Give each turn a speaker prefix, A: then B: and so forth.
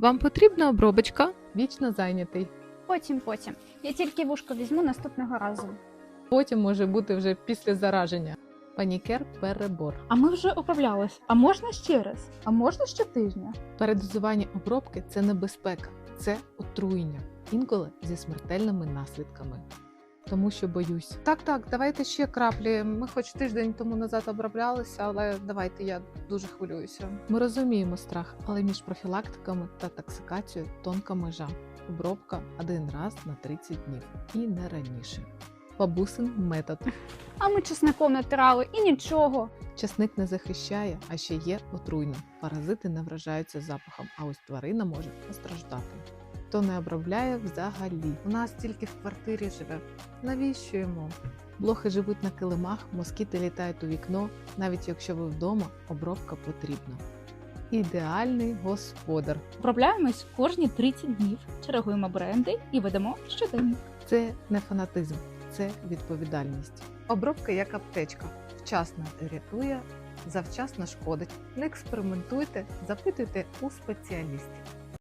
A: Вам потрібна обробочка? Вічно зайнятий.
B: Потім. Я тільки вушко візьму наступного разу.
A: Потім може бути вже після зараження. Панікер – перебор.
C: А ми вже оброблялись. А можна ще раз? А можна щотижня?
A: Передозування обробки – це небезпека, це отруєння, інколи зі смертельними наслідками. Тому що боюсь. Так, давайте ще краплі. Ми хоч тиждень тому назад оброблялися, але давайте, я дуже хвилююся. Ми розуміємо страх, але між профілактиками та токсикацією тонка межа. Обробка один раз на 30 днів і не раніше. Бабусин метод.
B: А ми чесником натирали і нічого.
A: Часник не захищає, а ще є отруйним. Паразити не вражаються запахом, а ось тварина може постраждати. Хто не обробляє взагалі. У нас тільки в квартирі живе. Навіщо йому? Блохи живуть на килимах, москіти літають у вікно. Навіть якщо ви вдома, обробка потрібна. Ідеальний господар.
C: Обробляємось кожні 30 днів, чергуємо бренди і ведемо щоденник.
A: Це не фанатизм, це відповідальність. Обробка як аптечка. Вчасно рятує, завчасно шкодить. Не експериментуйте, запитуйте у спеціалістів.